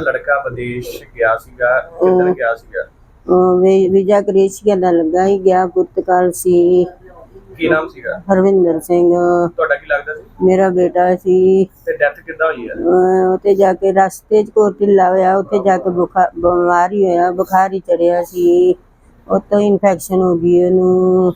ਲੜਕਾ ਵਿਦੇਸ਼ ਗਿਆ ਸੀਗਾ, ਕਿੱਧਰ ਗਿਆ ਸੀਗਾ? ਵੀਜ਼ਾ ਕ੍ਰੇਸ਼ੀਆ ਦਾ ਲੱਗਾ ਹੀ ਗਿਆ, ਪੁਰਤਗਾਲ ਸੀ। ਕੀ ਨਾਮ ਸੀਗਾ? ਹਰਵਿੰਦਰ ਸਿੰਘ ਤੁਹਾਡਾ ਕੀ ਲੱਗਦਾ ਸੀ? ਮੇਰਾ ਬੇਟਾ ਸੀ। ਤੇ ਡੈਥ ਕਿੱਦਾਂ ਹੋਈ ਹੈ? ਉੱਥੇ ਜਾ ਕੇ ਰਸਤੇ 'ਚ ਕੋਈ ਢਿੱਲਾ ਹੋਇਆ, ਉੱਥੇ ਜਾ ਕੇ ਬਿਮਾਰ ਹੀ ਹੋਇਆ, ਬੁਖਾਰ ਹੀ ਚੜਿਆ ਸੀ, ਉੱਤੋਂ ਇਨਫੈਕਸ਼ਨ ਹੋ ਗਈ ਉਹਨੂੰ।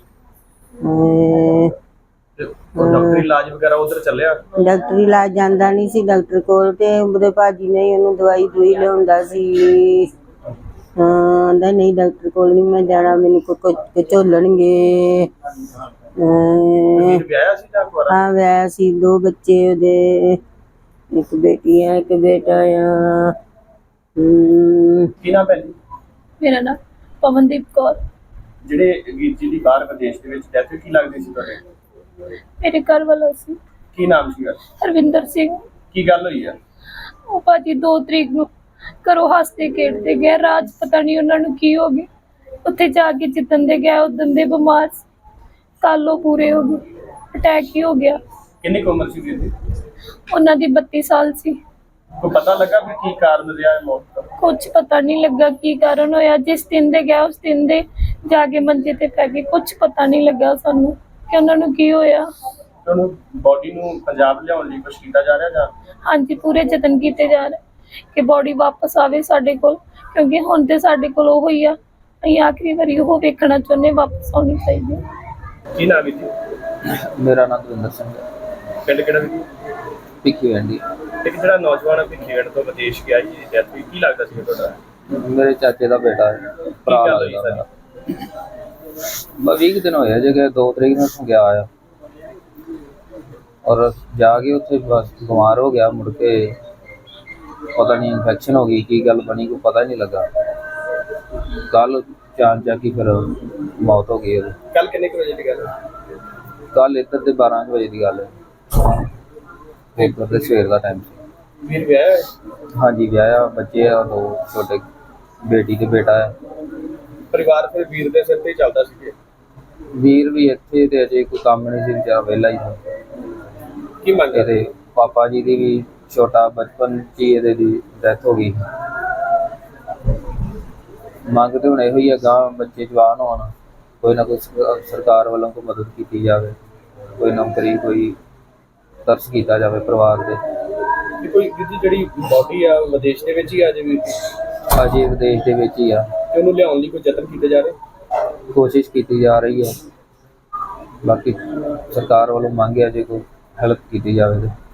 ਤੇ ਉਹ ਡਾਕਟਰੀ ਇਲਾਜ ਵਗੈਰਾ ਉਧਰ ਚੱਲਿਆ? ਡਾਕਟਰੀ ਇਲਾਜ ਜਾਂਦਾ ਨਹੀਂ ਸੀ ਡਾਕਟਰ ਕੋਲ, ਤੇ ਉਹਦੇ ਭਾਜੀ ਨੇ ਉਹਨੂੰ ਦਵਾਈ ਦੂਈ ਲਿਆਉਂਦਾ ਸੀ। ਆਂਦਾ ਨਹੀਂ ਡਾਕਟਰ ਕੋਲ ਨਹੀਂ ਮੈਂ ਜਾਣਾ, ਮੈਨੂੰ ਝੋਲਣਗੇ। ਵੀਰ ਵਿਆਹਿਆ ਸੀ ਜਾਂ ਕੁਆਰਾ? ਹਾਂ ਵਿਆਹ ਸੀ, 2 ਬੱਚੇ ਉਹਦੇ, ਇੱਕ ਬੇਟੀ ਹੈ ਇੱਕ ਬੇਟਾ ਆ। ਕੀ ਨਾਮ ਹੈ ਜੀ? ਮੇਰਾ ਨਾਮ ਪਵਨਦੀਪ ਕੌਰ। ਜਿਹੜੇ ਵੀਰ ਜੀ ਦੀ ਬਾਹਰ ਵਿਦੇਸ਼ ਦੇ ਵਿੱਚ ਡੈਥ ਕੀ ਲੱਗਦੀ ਸੀ ਤੁਹਾਡੇ? ਮੇਰੇ ਘਰ ਵਾਲਾ ਸੀ ਕੀ ਨਾਮ ਸੀਗਾ? ਹਰਵਿੰਦਰ ਸਿੰਘ। ਕੀ ਗੱਲ ਹੋਈ ਹੈ? ਉਹ ਭਾਜੀ 2 ਤਰੀਕ ਨੂੰ ਘਰੋਂ ਹੱਸਦੇ ਖੇਡਦੇ ਗਏ, ਰਾਜ ਪਤਾ ਨਹੀਂ ਉਹਨਾਂ ਨੂੰ ਕੀ ਹੋ ਗਿਆ, ਉੱਥੇ ਜਾ ਕੇ ਜਿੱਦਣ ਦੇ ਗਿਆ ਉਦਣ ਦੇ ਬਿਮਾਰ ਸੀ, ਕੱਲ ਉਹ ਪੂਰੇ ਹੋ ਗਏ, ਅਟੈਕ ਹੀ ਹੋ ਗਿਆ। ਕਿੰਨੀ ਕੁ ਉਮਰ ਸੀ ਵੀਰ ਦੀ? ਉਹਨਾਂ ਦੀ 32 ਸਾਲ ਸੀ। ਕੋਈ ਪਤਾ ਲੱਗਾ ਵੀ ਕੀ ਕਾਰਨ ਰਿਹਾ ਹੈ ਮੌਤ ਦਾ? ਕੁਝ ਪਤਾ ਨਹੀਂ ਲੱਗਾ ਕੀ ਕਾਰਨ ਹੋਇਆ, ਜਿਸ ਦਿਨ ਦੇ ਗਿਆ ਉਸ ਦਿਨ ਦੇ ਜਾ ਕੇ ਮੰਜੇ ਤੇ ਪੈ ਗਏ, ਕੁਝ ਪਤਾ ਨਹੀਂ ਲੱਗਾ ਸਾਨੂੰ ਕਿ ਉਹਨਾਂ ਨੂੰ ਕੀ ਹੋਇਆ। ਤੁਹਾਨੂੰ ਬੋਡੀ ਨੂੰ ਪੰਜਾਬ ਲਿਆਉਣ ਲਈ ਕੁਛ ਕੀਤਾ ਜਾ ਰਿਹਾ ਜਾਂ? ਹਾਂਜੀ, ਪੂਰੇ ਯਤਨ ਕੀਤੇ ਜਾ ਰਹੇ ਕਿ ਬੋਡੀ ਵਾਪਸ ਆਵੇ ਸਾਡੇ ਕੋਲ, ਕਿਉਂਕਿ ਹੁਣ ਤੇ ਸਾਡੇ ਕੋਲ ਉਹ ਹੀ ਆ, ਅਸੀਂ ਆਖਰੀ ਵਾਰੀ ਉਹ ਵੇਖਣਾ ਚਾਹੁੰਦੇ, ਵਾਪਸ ਆਉਣੀ ਚਾਹੀਦੀ। ਕੀ ਨਾਮ ਹੈ ਜੀ? ਮੇਰਾ ਨਾਮ ਦਵਿੰਦਰ ਸਿੰਘ ਹੈ। ਪਿੰਡ ਕਿਹੜਾ ਵੀ? ਭਿੱਖੀ ਵੈਂਡੀ। ਇੱਕ ਜਿਹੜਾ ਨੌਜਵਾਨ ਭਿੱਖੀਵਿੰਡ ਤੋਂ ਵਿਦੇਸ਼ ਗਿਆ ਜੀ, ਡੈਥ ਹੋਈ, ਕੀ ਲੱਗਦਾ ਸੀ ਤੁਹਾਡਾ? ਮੇਰੇ ਚਾਚੇ ਦਾ ਬੇਟਾ ਹੈ, ਭਰਾ ਗੱਲ ਹੋਈ ਲੱਗਦਾ ਮੇਰਾ। ਬਸ 20 ਦਿਨ ਹੋਇਆ ਜੇ ਕਿ 2 ਤਰੀਕ ਨੂੰ ਉੱਥੋਂ ਗਿਆ ਆ, ਔਰ ਜਾ ਕੇ ਉੱਥੇ ਬਸ ਬਿਮਾਰ ਹੋ ਗਿਆ, ਮੁੜ ਕੇ ਪਤਾ ਨਹੀਂ ਇਨਫੈਕਸ਼ਨ ਹੋ ਗਈ, ਕੀ ਗੱਲ ਬਣੀ ਕੋਈ ਪਤਾ ਨਹੀਂ ਲੱਗਾ। ਕੱਲ ਚਾਂਦ ਜਾ ਕੇ ਫਿਰ ਮੌਤ ਹੋ ਗਈ ਉਹਦੀ। ਕੱਲ ਕਿੰਨੇ ਕੁ ਵਜੇ ਦੀ ਗੱਲ ਹੈ? ਕੱਲ ਇੱਧਰ ਦੇ 12 ਵਜੇ ਦੀ ਗੱਲ ਹੈ, ਪੇਪਰ ਦੇ ਸਵੇਰ ਦਾ ਟਾਈਮ ਸੀ। ਵੀਰ ਵਿਆਹਿਆ ਹੈ? ਹਾਂਜੀ ਵਿਆਹਿਆ, ਬੱਚੇ ਆ 2 ਛੋਟੇ, ਬੇਟੀ ਤੇ ਬੇਟਾ ਹੈ। ਪਰਿਵਾਰ ਫਿਰ ਵੀਰ ਦੇ ਸਿਰ ਤੇ ਹੀ ਚੱਲਦਾ ਸੀ ਜੀ? ਵੀਰ ਵੀ ਇੱਥੇ ਤੇ ਅਜੇ ਕੋਈ ਕੰਮ ਨਹੀਂ ਸੀ, ਵਿਚਾਰਾ ਵਿਹਲਾ ਹੀ ਸੀ। ਕੀ ਮੰਗ ਕਰਦੇ? ਇਹਦੇ ਪਾਪਾ ਜੀ ਦੀ ਵੀ ਛੋਟਾ ਬਚਪਨ 'ਚ ਹੀ ਇਹਦੇ ਦੀ ਡੈਥ ਹੋ ਗਈ। ਮੰਗ ਤੇ ਹੁਣ ਇਹੋ ਹੀ ਆ, ਗਾਂ ਬੱਚੇ ਜਵਾਨ ਹੋਣ, ਕੋਈ ਨਾ ਕੋਈ ਸਰਕਾਰ ਵੱਲੋਂ ਕੋਈ ਮਦਦ ਕੀਤੀ ਜਾਵੇ, ਕੋਈ ਨੌਕਰੀ, ਕੋਈ ਤਰਸ ਕੀਤਾ ਜਾਵੇ ਪਰਿਵਾਰ ਦੇ। ਕੋਈ ਜਿਹੜੀ ਬੋਡੀ ਆ ਵਿਦੇਸ਼ ਦੇ ਵਿੱਚ ਹੀ ਆ ਜੇ ਵੀਰ ਦੀ? ਅਜੇ ਵਿਦੇਸ਼ ਦੇ ਵਿੱਚ ਹੀ ਆ, ਤੇ ਉਹਨੂੰ ਲਿਆਉਣ ਲਈ ਕੋਈ ਯਤਨ ਕੀਤੇ ਜਾ ਰਹੇ? ਕੋਸ਼ਿਸ਼ ਕੀਤੀ ਜਾ ਰਹੀ ਹੈ, ਬਾਕੀ ਸਰਕਾਰ ਵੱਲੋਂ ਮੰਗ ਹੈ ਜੇ ਕੋਈ ਹੈਲਪ ਕੀਤੀ ਜਾਵੇ ਤੇ।